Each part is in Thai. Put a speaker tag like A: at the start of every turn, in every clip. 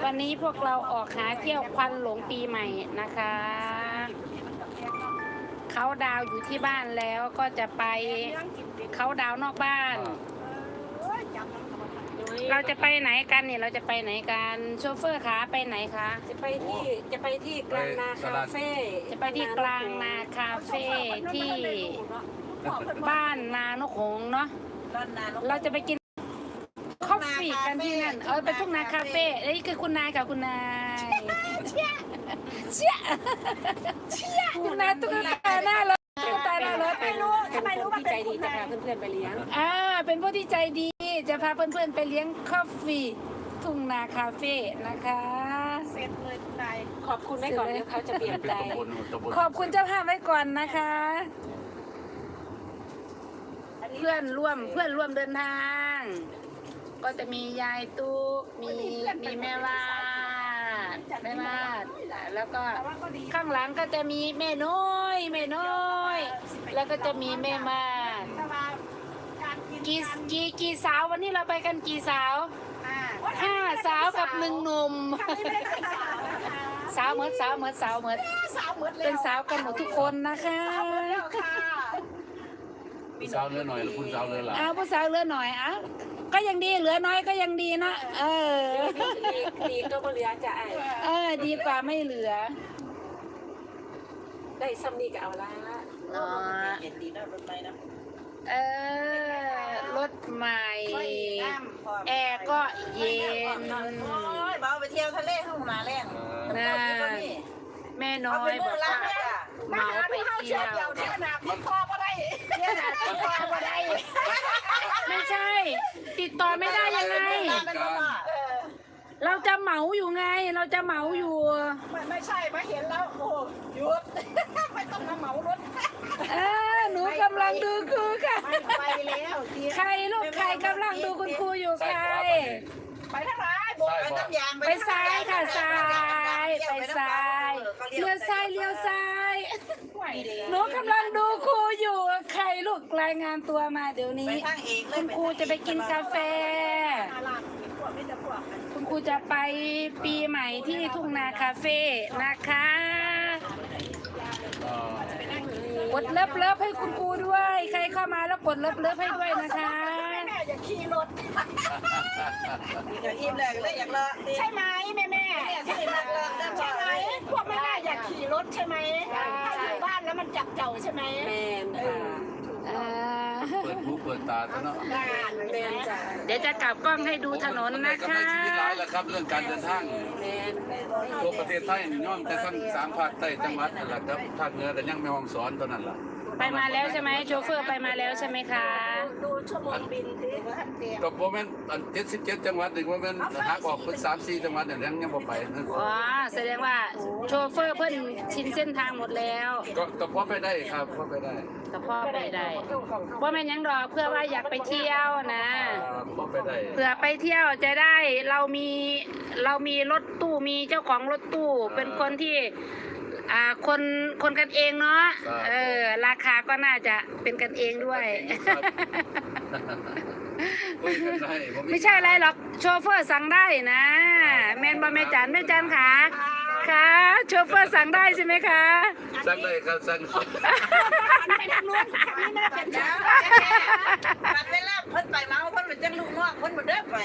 A: วันนี้พวกเราออกหาเที่ยวควันหลงปีใหม่นะคะเขาดาวอยู่ที่บ้านแล้วก็จะไปเขาดาวนอกบ้าน เราจะไปไหนกันเนี่ยเราจะไปไหนกันโชเฟอร์คะไปไหนคะ
B: จะไปที่กลางนาคาเฟ่
A: จะไปที่กลางนาคาเฟ่ที่บ้านนานกหงส์เนาะเราจะไปกินคอฟฟี่กันที่นั่นไปทุ่งนาคาเฟ่นี่คือคุณนายค่ะคุณนายเชี่ยคุณนายตุ๊กตาหน้ารถตุ๊กตาหน้ารถ
B: ไม่รู้ว่าใจดีจะพาเพื่อนๆไปเลี้ยง
A: เป็นผู้ที่ใจดีจะพาเพื่อนๆไปเลี้ยงคอฟฟี่ทุ่งนาคาเฟ่นะคะ
B: เสร็จเลยคุณนายขอบคุณไว้ก่อนเดี๋ยวเขาจะเปลี่ยนใจ
A: ขอบคุณเจ้าภาพไว้ก่อนนะคะเพื่อนร่วมเดินทางก็จะมียายตุ๊กมีแม่วาดแล้วก็ข้างหลังก็จะมีแม่น้อยแล้วก็จะมีแม่มากี่สาววันนี้เราไปกันกี่สาว5 สาวกับ1 หนุ่มสาวเหมือนเป็นสาวกันหมดทุกคนนะคะ
C: ผู้สาวเรือหน่อยหรือผู้สาวเรือหลาย
A: ผู้สาวเรือหน่อยก็ยังดีเหลือน้อยก็ยังดีนะ
B: ดีก็ไม่เหลือจะ
A: ดีกว่าไม่เหลือ
B: ได้ซ้ำนี่ก็เอาละ
A: รถใหม่แอร์ก็เย็น
D: เบาไปเที่ยวทะเลห้องมาแรง
A: นะแม่น้อยบอกว่าเมาไปเที่ยวไม่ใช่ติดต่อไม่ได้ยังไงเราจะเหมาอยู่ไงไม่ใช่มาเห็นแล้วโอ้หยุดไม่ต้องมาเหมารถหนูกำลังดูครูค่ะไปแล้วใครลูกใครกำลังดูคุณครูอยู่ใครไปทางไหนไปน้ำยางไปซ้ายค่ะซ้ายไปซ้ายเลี้ยวซ้ายหนูกำลังดูครูอยู่ใครลูกรายงานตัวมาเดี๋ยวนี้คุณครูจะไปกินกาแฟคุณครูจะไปปีใหม่ที่ทุ่งนาคาเฟ่นะคะกดเลิฟให้คุณครูด้วยใครเข้ามาแล้วกดเลิฟให้ด้วยนะคะอย่าขี่รถ
D: อย่าอิ่มเลยอยากเลอะ
A: ใช่ไหมแม่ใช่ไหมพวกแม่อยากขี่รถใช่ไหมถ้าอยู่บ้านแล้วมันจับเจ้าใช่ไหม
C: เปิดหูเปิดตาซะเนาะ
A: เดี๋ยวจะกลับกล้องให้ดูถนนนะคะ
C: ชีวิตร้ายแล้วครับเรื่องการเดินทางทั่วประเทศไทยนี่ย่อมแต่ทั้ง3 ภาคใต้จังหวัดนั่นแหละครับภาคเหนือก็ยังไม่ห้องสอนตอนนั้นล่ะ
A: ไปมาแล้วใช่ไหมโชเฟอร์ไปมาแล้วใช่ไหมคะ
D: ดูชั่วโมงบินที่ท่านเตีย
C: กับโมเมนต์77 จังหวัดหนึ่งโมเมนต์หักออกเป็น3-4 จังหวัดเนี่ยยังบ่ไป
A: แสดงว่าโชเฟอร์เพิ่นชินเส้นทางหมดแล้ว
C: ก็พอไปได้ครับพอไปได้
A: ว่าแม่ยังรอเพื่อว่าอยากไปเที่ยวนะ
C: พอไปได้
A: เผื่อไปเที่ยวจะได้เรามีรถตู้มีเจ้าของรถตู้เป็นคนที่คนกันเองเนาะราคาก็น่าจะเป็นกันเองด้วยไม่ใช่อะไรหรอกโชเฟอร์สั่งได้นะแมนบอแม่จันค่ะโชเฟอร์สั่งได้ใช่ไหมคะ
C: สั่งได้ครับสั่ง
D: ไปทางนู้นนี่น่าเป็นจ้าบัดเวลาเพิ่นไปเมาเพิ่นเป็นจังลูกน้องเพิ่นบ่ได้ไป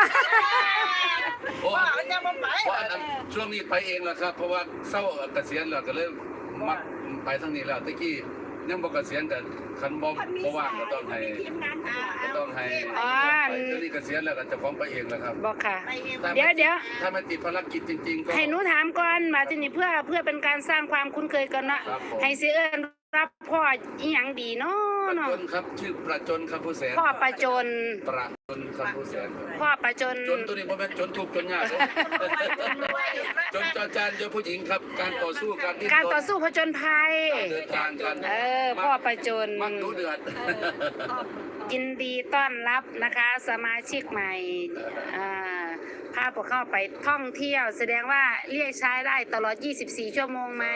D: ว่าจะบ่ไป
C: ช่วงนี้ไปเองแหละครับเพราะว่าเศร้าเกษียณแล้วก็เลยมักไปทางนี้แล้วตะกี้ยังบ่เกษียณแต่คันบ่ว่างก็ต้องให้ตอนนี้เกษียณแล้วก็จะฟ้องไปเองแล้วครับ
A: บอกค่ะเดี๋ยว
C: ถ้าไม่ติดภารกิจจริงๆก็
A: ให้หนูถามก่อนมาที่นี่เพื่อเป็นการสร้างความคุ้นเคยกันนะให้เสียเอิญรับพ่ออีหยังดีเนาะ
C: ประจนครับชื่อประจนคำผู้แสน
A: พ่อประจน
C: คำผู้แสน
A: พ่อประจน
C: ตัวนี้ผมเป็นจนทุกข์จนยากจนจอจานเจอผู้หญิงครับการต่อสู้
A: ผจญภัย
C: เดินทางกัน
A: พ่อประจน
C: มักดูเดือด
A: ยินดีต้อนรับนะคะสมาชิกใหม่พาพวกเข้าไปท่องเที่ยวแสดงว่าเรียกใช้ได้ตลอด24 ชั่วโมงไหม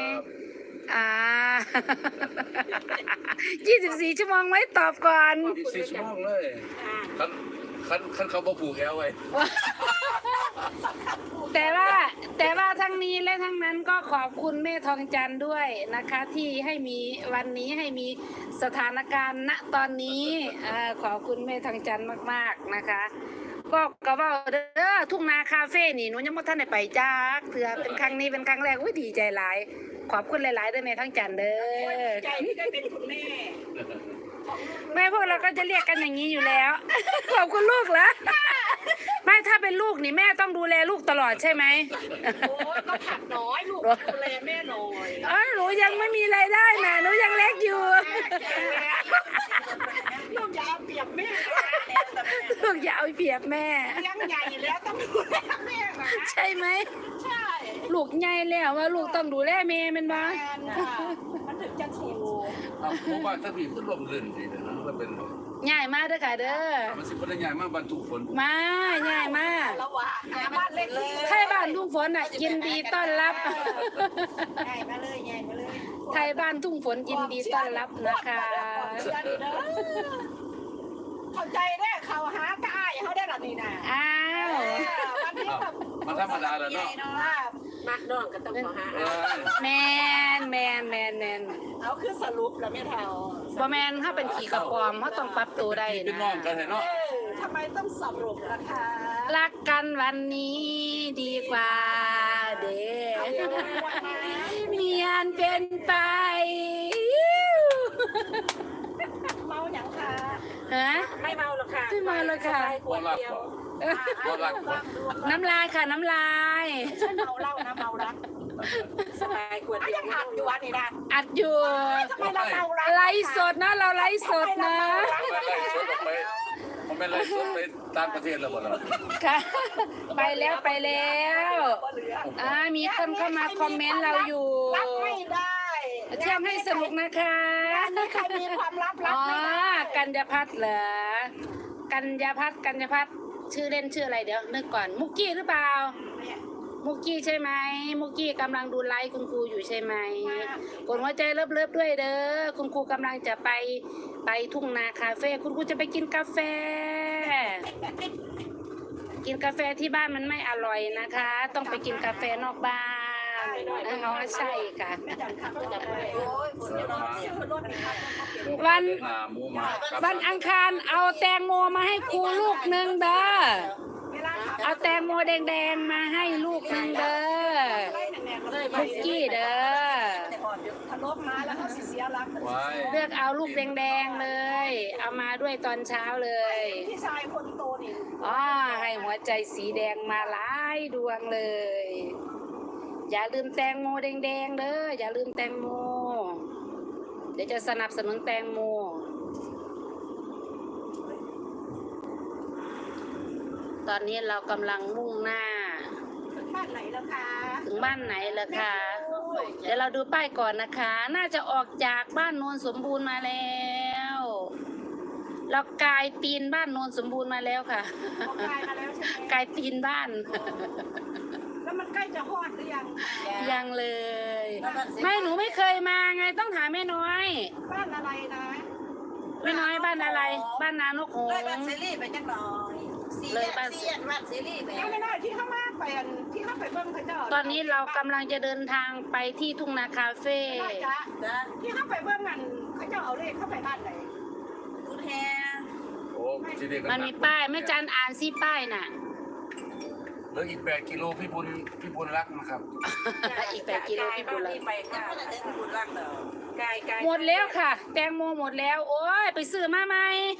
A: 24 ชั่วโมงไหมตอบก่อน
C: 24 ชั่วโมงเลยคันเขาบ่ผูกแอวไว้
A: แต่ว่าทั้งนี้และทั้งนั้นก็ขอบคุณแม่ทองจันทร์ด้วยนะคะ ที่ให้มีวันนี้ให้มีสถานการณ์ณตอนนี้ขอบคุณแม่ทองจันทร์มากๆนะคะ ก็ว่าเด้อทุ่งนาคาเฟ่นี่หนูยังไม่ทันได้ไปจ้าเถื่อเป็นครั้งนี้เป็นครั้งแรกอุ้ยดีใจหลายขอบคุณหลายๆด้วยแม่ทองจันทร์เด้อ
D: ใจที่ได้เป็นคุณแม่
A: แม่พวกเราก็จะเรียกกันอย่างนี้อยู่แล้ว ขอบคุณลูกเหรอไม่ถ้าเป็นลูกนี่แม่ต้องดูแลลูกตลอดใช่ไหม
D: โอ้ยก็ผักน้อยลูกดูแลแม่หน่อย
A: หนูยังไม่มีรายได้นะหนูยังเล็กอยู่
D: ลูกอย่าเอาเปรียบแม่
A: ลูกอย่าเอาเปรียบแม่
D: เลี้ยงใหญ่แล้วต้องดูแลแม่นะ
A: ใช่ไหม
D: ใช่
A: ลูกใหญ่แล้วว่าลูกต้องดูแลแม่แมันบ้า
D: แม่ค่ะมันถึงจะถูก
C: ผมว่าถ้าพี่ขึ้นลมลื่นดีนะมันเป็น
A: ใหญ่มากเด้อค่ะเด้อ
C: มันสิเป็นใหญ่มากบรรทุกฝน
A: มาใหญ่มาก
D: ระหว่างบ้านเล็กเลย
A: ไทยบ้านทุ่งฝนยินดีต้อนรับ
D: ใหญ่มาเลยใหญ่มาเลย
A: ไทยบ้านทุ่งฝนยินดีต้อนรับนะคะ
D: เข้าใจได้เขาหากายเขาได้หรอนี่นะ
A: อ้าว
D: วันนี้แบบ
C: มันธรรมดาแล้วเนาะ
B: มักน้องก็ต้องขอหา
A: แมน
D: เอาคือสรุปแล้วไม่เท่า
A: บ่แมนถ้าเป็นขี่กระปอมเขาต้องปรับตัวได้
C: เป็นน้องกัน
A: นะ
C: เนาะ
D: ทำไมต้องสรุปล่ะคะ
A: รักกันวันนี้ดีกว่าเด้เมียนเป็นไป
D: เมาอย่างคะ
A: ฮะ
B: ไม่เมาหรอกค่ะ
A: ไม่เมาหรอกค่ะ
B: ขวดเดียว
C: บ่รักบ่
A: น้ำลายค่ะน้ำลาย
D: ใช่เมาเหล้านะเมารัก
B: สบายขวด
D: ไม่
B: เดีย
D: ยั
B: ว
D: งหัดอยู่วันนี้นะ
A: อัดอยู่
D: ทำไมเราเมารัก
A: ไลฟ์สดนะเราไลฟ์สดนะ
C: ไม่ไล่สดออกไปผมไม่ไล่สดไปต่างประเทศแล้วบ่ล่ะ
A: ค่ะ ไปแล้วมีคนเข้ามาคอมเมนต์เราอยู่
D: รับไม่ได้
A: เที่ยวให้สนุกนะคะ
D: มีใครมีความลับรับ
A: อ๋อ
D: ไม่ได้
A: กัญญาพัฒน์เหรอกัญญาพัฒน์ชื่อเล่นชื่ออะไรเดี๋ยวนึกก่อนมุกกี้หรือเปล่า มุกกี้ใช่ไหมมุกกี้กำลังดูไลฟ์คุณครูอยู่ใช่ไหมกดหัวใจเลิฟด้วยเด้อคุณครูกำลังจะไปทุ่งนาคาเฟ่คุณครูจะไปกินกาแฟ กินกาแฟที่บ้านมันไม่อร่อยนะคะ ต้องไปกินกาแฟนอกบ้านอ๋อใช่ค่ะ
D: โอ้ยคนจะนอนชื่อรถนะครับ
A: วัน
C: หน้าหมูหมา
A: วันอังคารเอาแตงโมมาให้ครูลูกหนึ่งเด้อ
D: เวลาขับ
A: เอาแตงโมแดงๆมาให้ลูกหนึ่งเด้อ
D: ไล่แหน่งๆเลย
A: มุกกี้เด้อ
D: ทะลบมาแล้วเขาเสียรัก
C: ไว้
A: เลือกเอาลูกแดงๆเลย เอามาด้วยตอนเช้าเลย
D: พี่ชายคนโตนี่
A: อ๋อให้หัวใจสีแดงมาหลายดวงเลย อย่าลืมแตงโมแดงๆเด้ออย่าลืมแตงโมเดี๋ยวจะสนับสนุนแตงโมตอนนี้เรากำลังมุ่งหน้า
D: บ้านไหนแล้วคะ
A: ถึงบ้านไหนล่ะคะ เดี๋ยวเราดูป้ายก่อนนะคะ น่าจะออกจากบ้านโนนสมบูรณ์มาแล้ว เรากายตีนบ้านโนนสมบูรณ์มาแล้วค่ะ
D: ออกกายมาแล้วใช่ไหม
A: กายตีนบ้าน
D: แล้วมันใกล้จะฮอดหรือยัง
A: ยังเลย ไม่หนูไม่เคยมาไงต้องถามแม่น้อย
D: บ้านอะไรนะ
A: แม่น้อยบ้านอะไร บ้านนานกหง
E: เลย
A: ส์
E: บ้านซีรีส์ไปจักหน่อย
A: เลยบ้าน
E: ซีบ้านซีรีส์ไป
D: ยังไม่ได้ที่ข้างมากไปอันที่ข้างไปเบิ้งพระเจ้า
A: ตอนนี้เรากำลังจะเดินทางไปที่ทุ่งนาคาเฟ่
D: ได้จ้ะ
E: จ้ะ
D: ที่ข้างไปเบิ้งอันพระเจ้าเอาเลขเข้าไปบ้านไหน
E: คุณแฮ
C: โอ้ทีนี้ก็
A: มันมีป้ายแม่จันอ่านซิป้ายน่ะ
C: เหลืออีก8กิโลพี่บุญรักนะครับ
A: อีก8 กิโลพี่บุญรัก
B: ไป
E: ยัง
B: ค่ะ
E: ไม่ได้ถึงบุญรักเด้อก
B: าย
A: หมดแล้วค่ะ แตงโมหมดแล้ว โอ้ยไปซื้อมาไหม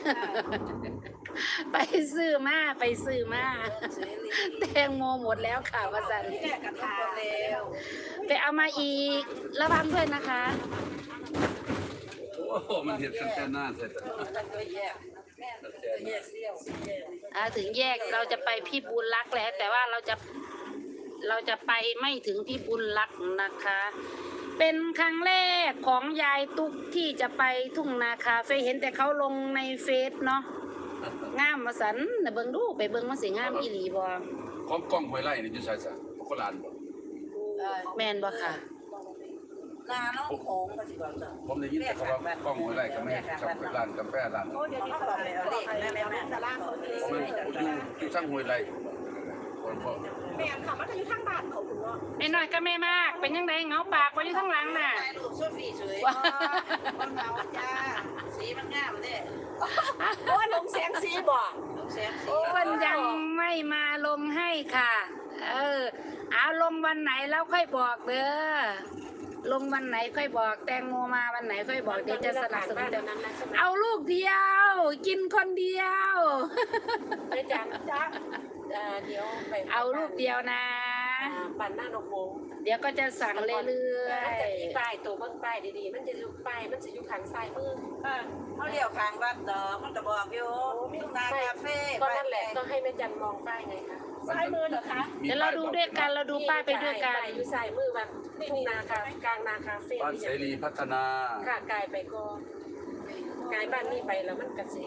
A: ไปซื้อมา
E: ซีรีส์
A: แตงโมหมดแล้วค่ะวสันต์
D: ที่แรกกระทา
E: แล้ว
A: ไปเอามาอีกระวังด้วยนะคะ
C: โอ้โหมันเห็นกันแต่หน้าเสร็จ
E: มันก็แยกแม่มันก็แยกเซี่ยวแยก
A: ถึงแยกเราจะไปพี่บุญรักแล้ว แต่ว่าเราจะไปไม่ถึงพี่บุญรักนะคะ เป็นครั้งแรกของยายตุ๊กที่จะไปทุ่งนาคาเฟ่เห็นแต่เขาลงในเฟซเนาะงามมาสันน่ะเบิ่งดูไปเบิ่งมาสิงามอีหลีบ่
C: ของกล้องห้วยไร่นี่อยู่ไสซะโคราชบ่
A: แม่นบ่ค่ะ
E: นาน้องโขงก็สิบอกจ้ะ
C: ผมได้ยินแต่เขาว่ากล้องห้วยไร่ก็ไม่ให้กับร้านกาแฟร้าน
D: โอ้เดี๋ยวนี้เขาบอกเลยเอาเลขแม่ตารางเขาเลย
C: ผมมันอยู่ช่างห้วยไร่คนพ่อ
D: แม่ค่ะมันจะอยู่ข้างบ้านเขาถึงเนาะ
A: แม่น้อยก็แม่มากเป็นยังไงเหงาปากไว้อยู่ข้างหลังน่ะ
D: ถ่ายรูปโซฟี่สวยคนเงาจ้าสีมันงามเด้โอ้ยลงแสงสีบ่ลงแสงสี
A: เพิ่นยังไม่มาลงให้ค่ะ เอาลงวันไหนแล้วค่อยบอกเด้อลงวันไหนค่อยบอกแตงโมมาวันไหนค่อยบอกเดี๋ยวจะสนับสนุนเดี๋ยวเอาลูกเดียว กินคนเดียว
B: ได้จังจ้าเดี๋ยวไป
A: เอาลูกเดียวนะ
B: ปั่นหน้านกโมง
A: เดี๋ยวก็จะสั่งเรื่
B: มัน
A: อย
B: จะมีป้ายตัวเบิ่งป้ายดีๆมันจะอยู่ป้ายมันจะอยู่ข้างซ้ายมือ
D: เขาเลี้ยวข้างวัดดอกมันจะบอกอยู่ทุ่งนาคาเฟ่
B: ก็นั่นแหละต้องให้แม่จันมองป้ายไงคะ
D: ซ้ายมือเหรอคะ
A: ๆเดี๋ยวเราดูด้วยกันเราดูป้ายไปด้วยกัน
B: ป้ายอยู่ซ้ายมือแบบทุ่งนาคากลางนาคาเฟ่
C: บ้านเสรีพัฒนา
B: ค่ะกายไปก็กายบ้านนี้ไปแล้วมันกระสิ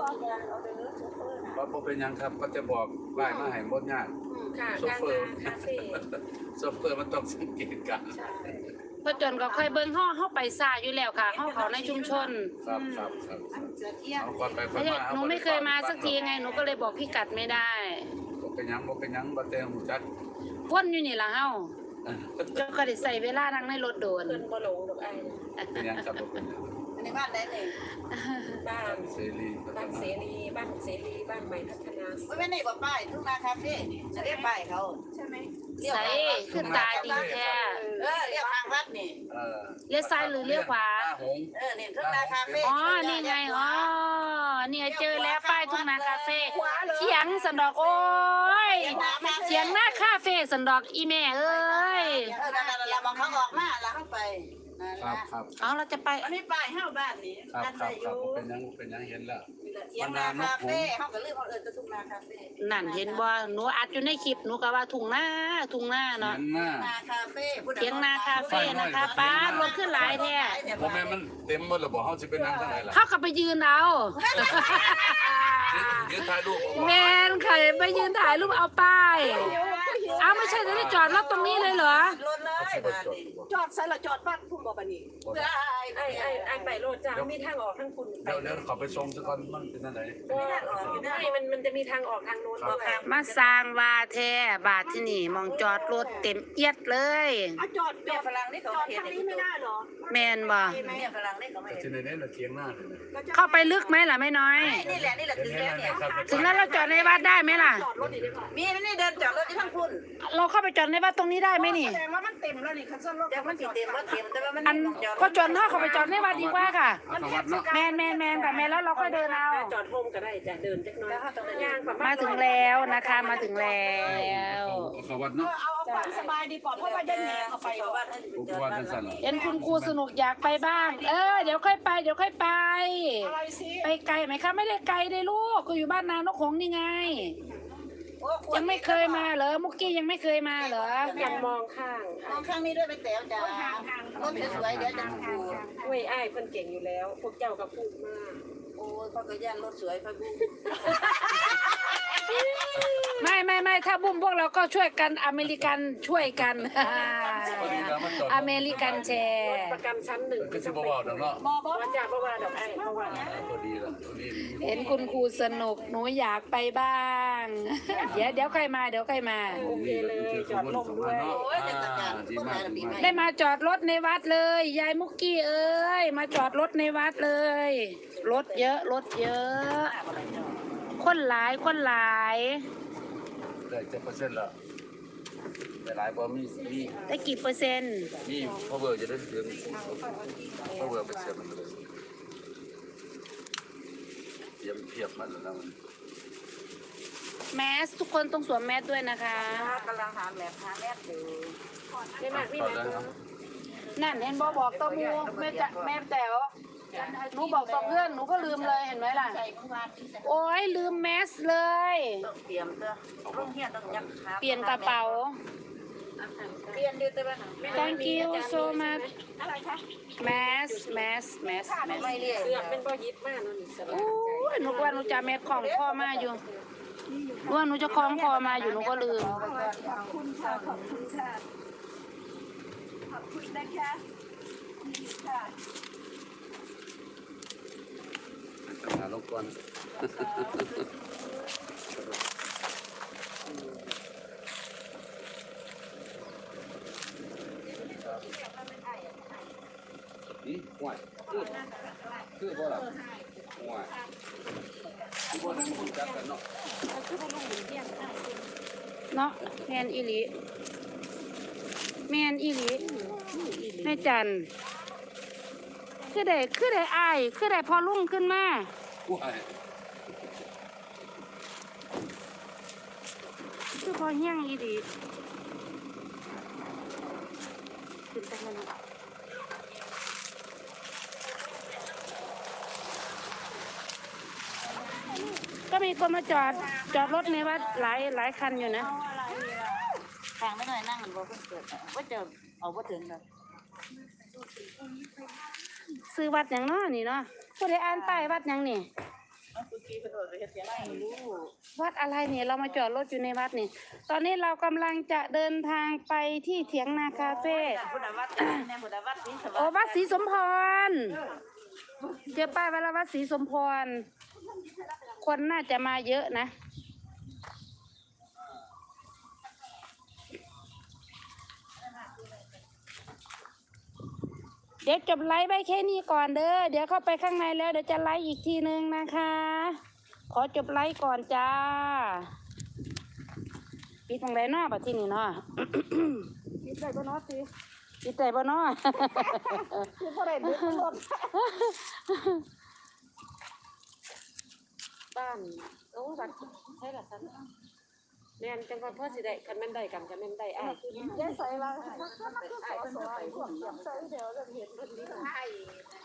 C: ว่าบ่เป็นหยังครับก็จะบอกป้ายมาให้บ่ยาก
B: ค่ะ
C: โซ
B: กลาง
C: เฟอร์
B: นาคาเฟ่
C: โซเฟอร์มันต้องสังเกตกัน
B: ใช่
A: พอจนก็ค่อยเบิ่งห้อเข้าไปซ่าอยู่แล้วค่ะห้อเขาในชุมชน
C: ครับเอาก่อนไปก่อน
A: ไม่ใช่
C: มา
A: หนูไม่เคยมาสักทีไงหนูก็เลยบอกพี่กัดไม่ได้
C: บ่เป็นหยังบ่แต่หูจัก
A: วนอยู่นี่ล่ะเฮาเจ้าก็ได้ใส่เวลานั่งในรถโดน
B: เพิ่นบ่หลงดอกไอ้
C: เป็นหยังครับบ่เป็นหยัง
D: อันนี้บ้านไหนนี่
B: บ้าน
C: เสรีพัฒ
B: บ้าน
C: นา
B: เสรีบ้านเสรีบ้านใหม่พัฒนา
D: ไม่ได้บอกป้ายทุ่งนาคาเฟ่จะเรียกป้ายเขาใช่ไหม
A: ใส่ขึ้นตาดีแท้
D: เรียกข้างวัดนี่
A: เลี้ยวซ้ายหรือเลี้ยวขวา
C: หน้หงส์
D: นี่ทุ่งนาคาเฟ่
A: อ๋อ นี่ไง อ๋อ เนี่ยเจอแล้วป้ายทุ่งนาคาเฟ่เขียงสันดอกโอ้ยเขียงหน้าคาเฟ่สันดอกอีแม่เอ้ย
D: นั่นเรามองเขาออกมาแล้วเข้าไป
C: ครับ
A: เอาเราจะไป
D: อันนี้ป้ายห้าบ้านนี่
C: ครับ
D: นั่น
C: ครั
D: ได้
C: บ
D: อ
C: ครับ
D: ยู่
C: เป็นหยังเห็นแล้ว
D: เทียงนาคาเฟ่เขาก็เลือกเขาทุ่งนาคาเฟ่
A: นั่นเห็นบ่หนูอัดอยู่ในคลิปหนูก็ว่าทุ่งหน้าเนาะ
C: เห็นหน้า
D: นาคาเฟ่
A: เขียงนาคาเฟ่นะคะป้ารถขึ้นหลายแท้
C: บ่แม่นมันเต็มหมดแล้วบ่เฮาสิไปนั่งทางไหนล่ะ
A: เข้ากับไปยืนเอา
C: ยืนถ่ายรูปบ่
A: แมนใครไปยืนถ่ายรูปเอาป้ายเอาไม่ใช่จะได้จอดรถตรงนี้เลยเหรอ
D: รถเลยบ้านนี่จอดใส่ละจอดบ้านพุ่งบ่บ้านนี่ได้
B: ไอ้ไปโลดจ้ามีทางออกทางคุณไป
C: เดี๋ยวขอไปส่งซะก่อนมันเป็นจังได๋
B: มันจะมีทางออกทางโน้นก็ค่ะ
A: มาสร้างว่าแท้บาทที่นี่มองจอดรถเต็มเอียดเลย
D: จอดเนี่ยฝรั่งนี่เขาเห็นนี่ไม่ได้หรอ
A: แมนบ่
D: เนี่ยฝรั่งนี่เขาไม่
C: แต่
D: เห็น
C: ที่ไหนๆน่ะเถียงหน้าเลยนะ
A: เข้าไปลึกไหมล่ะไม่น้อย
D: นี่แหละถึงแล้วเนี่ย
A: ถึงแล้วเราจอดในวัดได้ไหมล่ะ
D: มีนี่เดินจอดรถที่ทั้งคุณ
A: เราเข้าไปจอดในวัดตรงนี้ได้ไหมนี่
D: แสดงว่ามันเต็มแล้วนี่คันซ่อนรถแต่มันติดเต็มรถเต็มแต่ว่ามัน
A: อันก็จอดถ้าเขาไปจอดในวัดดีกว่าค่ะ
C: เอาเข้าวัดเนาะ
A: แมนค่ะแมนแล้วเราค่อยเดินเอา
B: จอดโฮมก็ได้จะเดินจักน้อยย่างประมา
A: มา
B: ณ
A: ถึงแล้วนะคะมาถึงแล้ว
C: เอาเข้าวัดเนาะ
D: เอาความสบายดีกว่าเพราะว่าได้แหนเข้าไปว่า
C: กูว่าจังซั่นล่ะ
A: เห็นคุณครูสนุกอยากไปบ้าง เดี๋ยวค่อยไป
D: อะไรสิ
A: ไปไกลไหมคะไม่ได้ไกลได้ลูกก็อยู่บ้านนานกหงส์นี่ไง ยังไม่เคยมาเหรอมุกกี้ยังไม่เคยมาเหรอ
B: ยังมองข้าง
D: มองข้างนี้ด้วยไปแต๋วจ้ารถสวยเดี๋ยวจะดู
B: เว้ยอ้ายเพิ่นเก่งอยู่แล้ว พวกเจ้าก็พูดมาก
D: โอ้ยพ่อก็ย่านรถสวยพ่อบู
A: ไม่ถ้าบุ้มพวกเราก็ช่วยกันอเมริกันช่วยกัน อเมริกันแชร์
B: ประกันชั้นหนึ่ง
C: ก็สิบ่เว้าดอกเนาะ
B: ว่าจ่าเพราะว่าดอกไอ้เพราะว่า
C: พอดีล่ะพอดี
A: เห็นคุณครูสนุกหนูอยากไปบ้าง เดี๋ยวใครมา
B: โอเคเลยจอดลงด้วย
D: โอ้ยจะจัดการพวกนั้นปีใหม่
A: ได้มาจอดรถในวัดเลย ยายมุกกี้เอ้ยมาจอดรถในวัดเลย รถเยอะคนหลาย
C: ได้จะเปอร์เซ็นต์ละแต่หลายบ่มี
A: ได้กี่เปอร์เซ็นต์
C: มีพอเบอร์จะได้ถึงพอเบอร์ไปเสียมันเลยเตรียมเพียบมันแล้วมัน
A: แมสทุกคนต้องสวมแมสด้วยนะคะ
D: กำลังหาแม่อยู่
B: ได้มากพี่
C: ต่อ
B: นะ
C: เลยครับ
A: นั่นเห็นบอกตัวมูแม่แต๋วหนูบอกต่อเพื่อนหนูก็ลืมเลยเห็นไหมล่ะ
D: ใส่เมื่อวานที่ใส่
A: โอ้ยลืมแมสเลย
D: ต้องเตรียมเด้อโรงเรียนต้องยักขา
A: เปลี่ยนกระเป๋า
D: เปลี่ยนดูแต่ว่า
A: thank you so much
D: อะไรคะ
A: mask
D: ไม่เรียก
B: เสือกเป็นบ่ยิบมากเนาะนี่สบาย
A: โอ้ยหนูว่าหนูจะแมสของคอมาอยู่หนูว่าหนูจะคล้องคอมาอยู่หนูก็ลืม
D: ขอบคุณค่ะขอบคุณค่ะขอบคุณนะคะนี่ค่ะ
C: ทำงานรบกวนจักกันเนาะ
B: เราคือว่าลุงหญิงเที่ยงข้าวกิน
A: เนาะแมนอีหลีแมนอีหลีแม่จันคือได้อายคือได้พอลุ่งขึ้นมา
C: ผู้ให้
A: คือพอเฮี้ยงอีหลีขึ้นไปแล้วนะก็มีคนมาจอดรถในวัดหลายคันอยู่นะ
D: ทางไม่หน่อยนั่งกันบ่เพิ่นเกิดว่าจะเอาบ่ถึงดอก
A: ซื้อวัดอย่างเนาะนี่เนาะผู้ใดอ่านป้ายวัดอย่างนี่
D: ไม่รู้
A: วัดอะไรเนี่ยเรามาจอดรถอยู่ในวัดนี่ ตอนนี้เรากำลังจะเดินทางไปที่เถียงนาคาเฟ่
D: พุทธวัดในพุทธวัดนี่ส
A: โอ้วัดศรีสมพรเจอป้ายวัดศรีสมพร คนน่าจะมาเยอะนะ เดี๋ยวจบไลฟ์ไปแค่นี้ก่อนเด้อ เดี๋ยวเข้าไปข้างในแล้วเดี๋ยวจะไลฟ์อีกทีนึงนะคะ ขอจบไลฟ์ก่อนจ้า ปิดตรงไหนเนาะบัดที่นี่เนาะ ปิดใจบ่เนาะสิปิดใจบ่เนาะ ปิดบ่ได้ดึกรถ
B: บ้านโอ้บัดใช่ละสันแม่นจังว่าพ่อสิได้คันแม่นได้กันคันแม่นได้อ้าย
A: ยายใส่ว่า
D: ใส่เพิ่นไปพวกใส่เดี๋ยวเราเห็นเพิ่นนี่